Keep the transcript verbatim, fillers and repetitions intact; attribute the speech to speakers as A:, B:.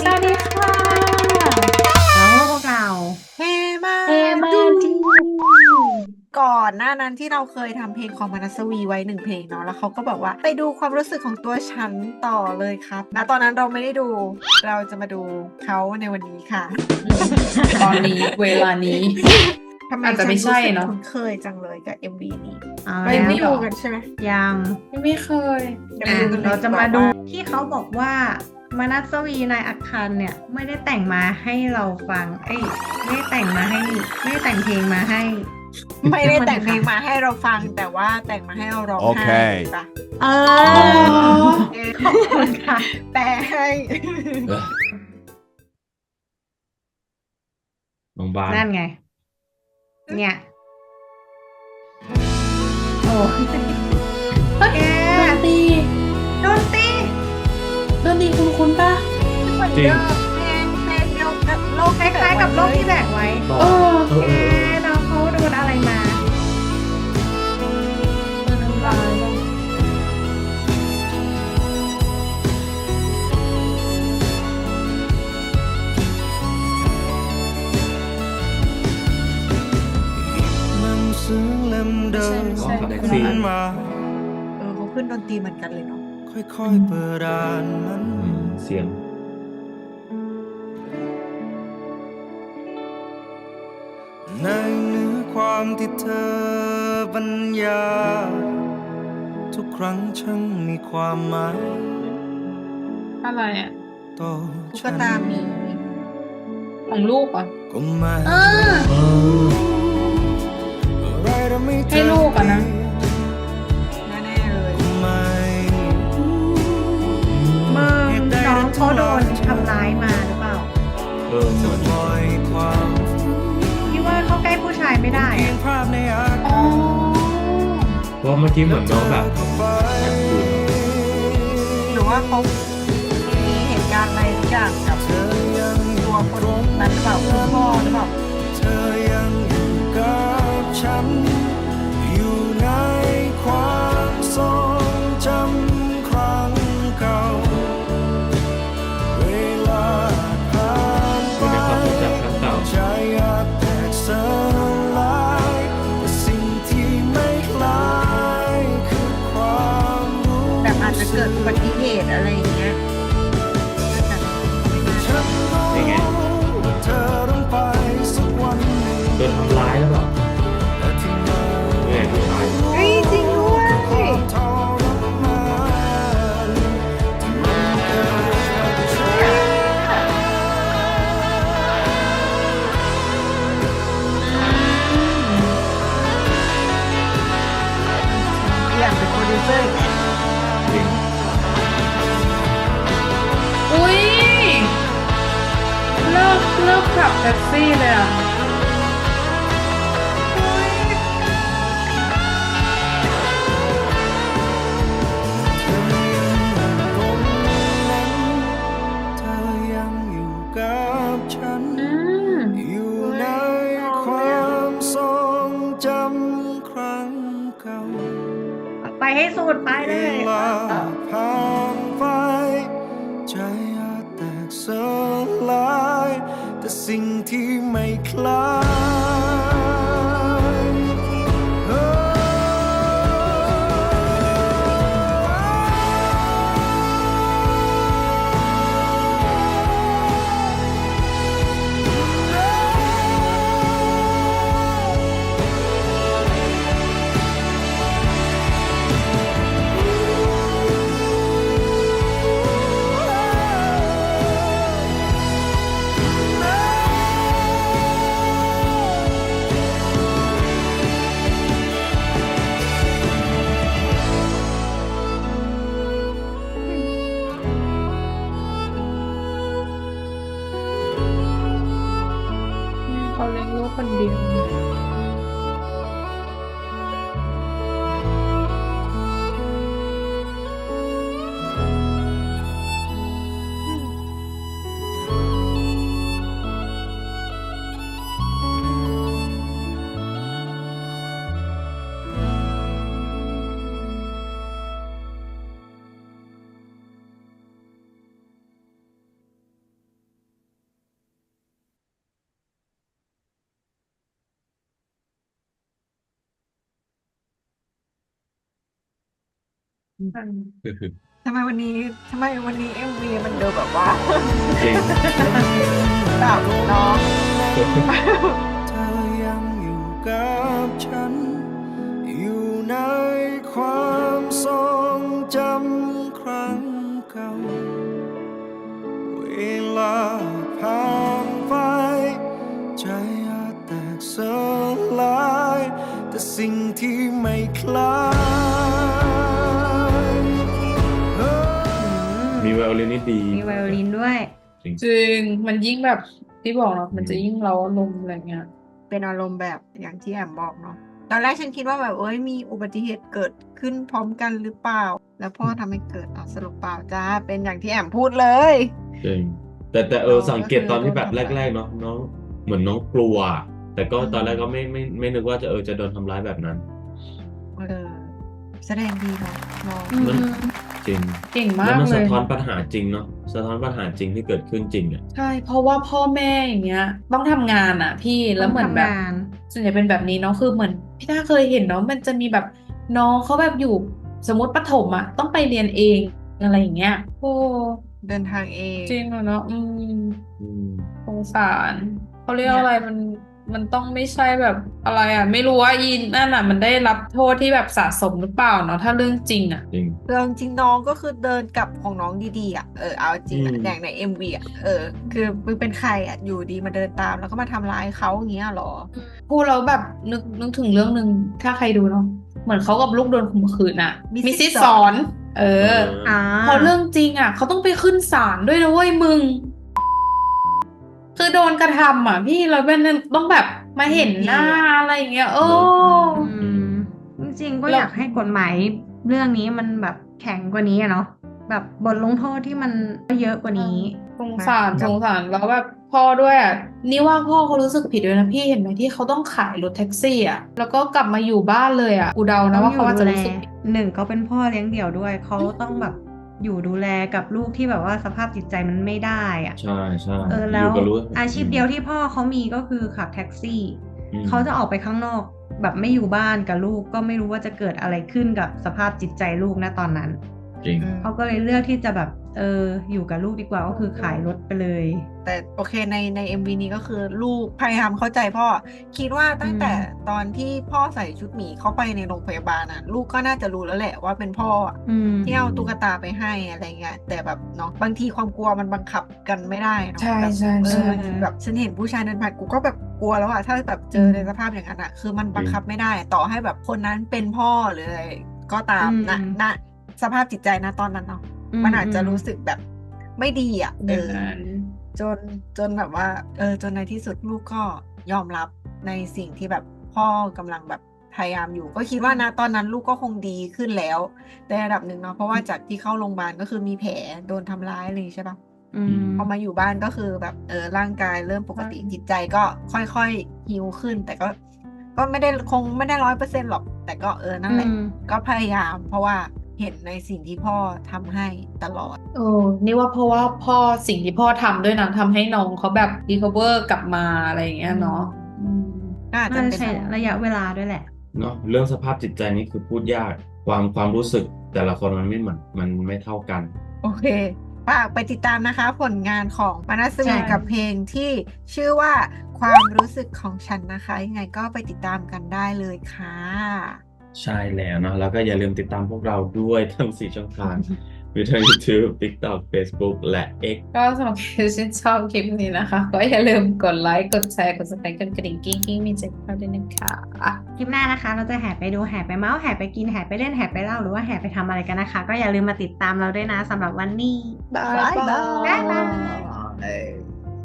A: สวัสดีค่ะแล้วพวกเรา
B: เฮมา
A: เอมา
B: ดู
A: ดี
B: ก่อนหน้านั้นที่เราเคยทำเพลงของมนัสวีไว้หนึ่งเพลงเนาะแล้วเขาก็บอกว่าไปดูความรู้สึกของตัวฉันต่อเลยครับณตอนนั้นเราไม่ได้ดูเราจะมาดูเขาในวันนี้ค่ะ
A: อืมตอนนี้เวลานี้
B: ทำไม
A: อาจจะ
B: ฉัน
A: ไม่ใช่
B: รู้สึก
A: เนาะ
B: คุ้นเคยจังเลยกับ เอ็ม วี นี้
A: เอา
B: เรายังไม่ดู
A: แล้วเหรอ
B: กันใช่ไหม
A: ยัง
B: ยัง
A: ไม่เคย
B: เดี๋ยว
A: อ่ะ
B: มาดูกันเลย
A: เราจะมาดู
B: ดีกว่าว่า
A: ที่เขาบอกว่ามนัสวีนายอัคคันเนี่ยไม่ได้แต่งมาให้เราฟังเอ้ยไม่ได้แต่งมาให้ไม่ได้แต่งเพลงมาให้
B: ไม่ได้แต่งเพลง
A: ค่ะ
B: มาให้เราฟังแต่ว่าแต่งมาให้เราร้องไห้ถูกปะ
A: เอ
B: เอ
A: อ
B: อ
A: ขอบคุณค่ะ
B: แปลให้
C: เออโรงพยาบาล
A: นั่นไงเนี่ยโอ้
D: เฮ้ย
A: แก
D: ดนตรี
A: โดนตี
D: ดนตรีคุณคุณปะ
B: เหมือน
C: จริง
B: เดิมเพลงเพลงเดียวกับโลก
A: คล้ายๆกับโรคที่แบกไว้
C: ต่อ
D: เออ
C: เออ
A: แก
C: เออเออ
A: น้องเขาโดนอะไรมา
D: โดนทำร้ายบ้าง
E: หนังสือเล่ม
D: ไม่
E: เดิ
D: ใช่
E: ม
D: ไม่
C: อ๋อ
D: ใช่
C: กับแท็ก
D: คนละ
C: ซี่
D: อัน
E: มา
B: เออเขาขึ้นดนตรีเหมือนกันเลยเนาะ
E: ค่อยๆเปิดอ่านมัน
C: อืมเสียง
E: ในเนื้อความที่เธอบรรยายทุกครั้งช่างมีความหมาย
D: อะไรอ่ะ
E: ต่อ
B: ตุ๊ก
E: ฉัน
B: ตาหมี
D: ของลูกอ่ะ
E: ก็ไม่
D: เออ
C: เออ
E: อะไรทำให้เธ
D: ให้ลูกอะนะ
B: แน่ๆเลย
E: ก็ไม่
A: มึงน้องเขาโดนทำร้ายมาหรือเปล่า
C: เออเหมือน
E: ปล่อยความ
A: พี่ว่าเข้าใกล้ผู้ชายไม่ได้
E: เพีย
A: อะ
E: งภาพในอา
D: อ๋อ
E: กาศ
C: เพราะเมื่อกี้เหมือนน้องแบบ
E: เข้าไป
B: หรือว่าเขามีเหตุการณ์อะไรทุกอย่างกับ
E: เธอยังอ
B: ตั
E: ยู่
B: วคนนั้นหรือเปล่าคุณพ่อหรือเปล่า
E: เธอยังอยู่กับฉัน อยู่ในความทรงจำครั้งเก่า เวลาผ่านไป
C: อยู่ในความทรงจำครั้งเก่า
E: ใจอยากแตกสลายแต่สิ่งที่ไม่คล้ายคือความรู้
B: แบบอาจจะเกิดอุบัติเหตุอะไรอย่างเงี้ย
E: ฉันรู้
C: นี่ไง
E: ว่าเธอต้องไปสักวันหนึ่ง
C: โดนทำร้ายแล้วเปล่า
E: แต่ที่มา
C: เนี่ยผู้ชาย
B: เฮ้ยจริงด้วย
E: ความทรมานที่มันเกิดกับฉัน
B: อยากเป็นโปรดิวเซอร์อีกแล้ว
C: จริง
D: อุ้ยเลิกเลิกขับแท็กซี่เลยอ่ะ
E: เธอยังอยู่ตรงนั้นเธอยังอยู่กับฉัน
D: อืม
E: อยู่ในความทรงจำครั้งเก่า
A: ไปให้สุดไปเล
E: เวย ลาผ่านไปใจอาจแตกสลายแต่สิ่งที่ไม่คล้ายเอ
D: เขาเลี้ยงลูกคนเดียว
B: ทำไมวันนี้ทำไมวันนี้เอ็มวีมันดูแบบว่า
C: จริง
B: แบบน้อง
E: เธอยังอยู่กับฉัน อยู่ในความทรงจำครั้งเก่า เวลาผ่านไปใจอาจแตกสลายแต่สิ่งที่ไม่คล้ายเออ
C: มีไวโอลินนี่ดี
A: มีไวโอลินด้วย
C: จริง
D: จริง มันยิ่งแบบที่บอกเนาะมันจะยิ่งเร้าอารมณ์อะไรเงี้ย
B: เป็นอารมณ์แบบอย่างที่แอมบอกเนาะตอนแรกฉันคิดว่าแบบเอ้ยมีอุบัติเหตุเกิดขึ้นพร้อมกันหรือเปล่า แล้วพ่อทำให้เกิดอ่ะสรุปเปล่าจ้าเป็นอย่างที่แอมพูดเลย
C: จริงแต่แต่เออ
B: น้อง
C: สังเกต
B: ก็คือ
C: ตอนที่แบบ
B: โดนทำร้าย
C: แรกๆเนาะน้องเหมือนน้องกลัว แต่ก็
B: อืม
C: ตอนแรกก็ไม่ไม่ไม่นึกว่าจะเออจะโดนทำร้ายแบบนั้น
B: เออแสดงดีเนาะน้อง
A: อืม
C: มัน จริง
D: เก่งมา
C: แล้ว
D: ก
C: มัน
D: เล
C: สะ
D: ย
C: ท้อนปัญหาจริงเนาะสะท้อนปัญหาจริงที่เกิดขึ้นจริงอ่ะ
D: ใช่ เพราะว่าพ่อแม่อย่างเงี้ย ต้องทำงานอ่ะ พี่แล้วเหมือนแบบ
A: ต้องทำงาน
D: ส่วนใหญ่เป็นแบบนี้เนาะคือเหมือนพี่ต้าเคยเห็นเนาะมันจะมีแบบน้องเขาแบบอยู่สมมติประถมอ่ะต้องไปเรียนเองอะไรอย่างเงี้ยโอ้
B: เดินทางเอง
D: จริงเหรอเนาะอืม
C: อืม
D: สงสารเขาเรียก
B: เนี่ย
D: อะไรมันมันต้องไม่ใช่แบบอะไรอ่ะ ไม่รู้ว่าอีนั่นอ่ะ มันได้รับโทษที่แบบสะสมหรือเปล่าเนาะถ้าเรื่องจริงอ่ะ
C: จริง
B: เรื่องจริงน้องก็คือเดินกลับของน้องดีๆอ่ะเออเอาจริง
C: อื
B: อ่ะ
C: ม
B: อย่างในเอ็มวีอ่ะเออคือมึงเป็นใครอ่ะอยู่ดีมาเดินตามแล้วก็มาทำร้ายเขาอย่างเงี้ยเหรอ
D: พูดแล้วแบบนึกนึกถึงเรื่องหนึ่งถ้าใครดูเนาะเหมือนเขากับลูกโดนข่มขืนอ่ะ
B: มิสซิส
D: มิสซิส
B: ส
D: ส
B: อ
D: อน น เออ
A: อ่า
D: พอเรื่องจริงอ่ะเขาต้องไปขึ้นศาลด้วยนะเว้ยมึง คือโดนกระทำอ่ะ พี่แล้วเป็นต้องแบบมาเห็นหน้าอะไรอย่างเงี้ยโอ้
C: เนอะ
A: อืมจริงๆก็
D: แล้ว
A: อยากให้กฎหมายเรื่องนี้มันแบบแข็งกว่านี้อะเนาะแบบบทลงโทษที่มันเยอะกว่านี้
D: สงสารสงสารแล้วแบบพ่อด้วยอ่ะนี่ว่าพ่อเขารู้สึกผิดด้วยนะพี่เห็นไหมที่เขาต้องขายรถแท็กซี่อ่ะแล้วก็กลับมาอยู่บ้านเลยอ่ะกูเดานะว่าเขาอาจจะรู้สึกผิด
A: หนึ่งเขาเป็นพ่อเลี้ยงเดี่ยวด้วย เขาต้องแบบอยู่ดูแลกับลูกที่แบบว่าสภาพจิตใจมันไม่ได้อะ
C: ใช่ใช่
A: เออ
C: อ
A: แล้
C: ยู่
A: ว
C: กับรู้
A: อาชีพเดียวที่พ่อเขามีก็คือขับแท็กซี่
C: อืม
A: เขาจะออกไปข้างนอก แบบไม่อยู่บ้านกับลูกก็ไม่รู้ว่าจะเกิดอะไรขึ้นกับสภาพจิตใจลูกนะตอนนั้น
C: จริง
B: อืม
A: เขาก็เลยเลือกที่จะแบบเอออยู่กับลูกดีกว่าก็คือขายรถไปเลย
B: แต่โอเคในใน เอ็ม วี นี้ก็คือลูกพยายามเข้าใจพ่อ คิดว่าตั้งแต่
A: อืม
B: ตอนที่พ่อใส่ชุดหมีเข้าไปในโรงพยาบาลน่ะ ลูกก็น่าจะรู้แล้วแหละว่าเป็นพ่ออะ
A: อืม
B: ที่เอาตุ๊กตาไปให้อะไรเงี้ยแต่แบบเนาะบางทีความกลัวมันบังคับกันไม่ได้เนาะ
D: ใช่
B: แบบ
D: ใช่
B: เอ
D: ใช่
B: อแบบฉันเห็นผู้ชายเดินผ่านกูก็แบบกลัวแล้วอะถ้าแบบเจอในสภาพอย่างนั้นอะคือมันบังคับไม่ได้ ต่อให้แบบคนนั้นเป็นพ่อหรืออะไรก็ตาม
A: อืม
B: นะณสภาพจิตใจนะตอนนั้นเนาะ
A: อืม
B: มันอาจจะ
A: อืม
B: รู้สึกแบบไม่ดีอ่ะ
D: อ
B: เอย่าง อ
D: นั้น
B: จนจนแบบว่า เออ จนในที่สุดลูกก็ยอมรับในสิ่งที่แบบพ่อกำลังแบบพยายามอยู่ ก็คิดว่านะตอนนั้นลูกก็คงดีขึ้นแล้วในระดับหนึ่งเนาะเพราะว่าจากที่เข้าโรงพยาบาลก็คือมีแผลโดนทำร้ายอะไรอย่างงี้ใช่ปะ
A: อืม
B: พอมาอยู่บ้านก็คือแบบเออร่างกายเริ่มปกติ
D: อืม
B: จิตใจก็ค่อยๆฮีลขึ้น แต่ก็ ก็ไม่ได้คงไม่ได้ร้อยเปอร์เซ็นต์หรอก แต่ก็เออนั่นแหละ
A: อืม
B: ก็พยายาม เพราะว่าเห็นในสิ่งที่พ่อทำให้ตลอด
D: เออนี่ว่าเพราะว่าพ่อสิ่งที่พ่อทำด้วยนะทำให้น้องเขาแบบรีคอเวอร์กลับมาอะไรอย่างเงี้ยเนาะอืม
B: ก็อาจจะ
A: น่าจะ
B: เป็น
A: ใช้ระยะเวลาด้วยแหละ
C: เนาะเรื่องสภาพจิตใจนี่คือพูดยาก ความความรู้สึกแต่ละคนมันไม่เหมือนมันไม่เท่ากัน
B: โอเคฝากไปติดตามนะคะ ผลงานของมานัส
A: ใช่
B: วีกับเพลงที่ชื่อว่าความรู้สึกของฉันนะคะ ยังไงก็ไปติดตามกันได้เลยค่ะ
C: ใช่แล้วเนาะแล้วก็อย่าลืมติดตามพวกเราด้วยทั้งสี่ช่องทาง มีทั้ง YouTube TikTok Facebook และ X
D: ก็สำหรับใครที่ชอบคลิปนี้นะคะ ก็อย่าลืมกดไลค์ กดแชร์ กด subscribe กดกระดิ่งกิ้งกิ้งมีแจ้งเตือนด้วยนะคะ
A: คลิปหน้านะคะ เราจะแห่ไปดูแห่ไปเมาส์แห่ไปกินแห่ไปเล่นแห่ไปเล่าหรือว่าแห่ไปทำอะไรกันนะคะ ก็อย่าลืมมาติดตามเราด้วยนะสำหรับวันนี้
D: บ๊าย
B: บ๊ายบา
A: บ๊ายบาย
B: ย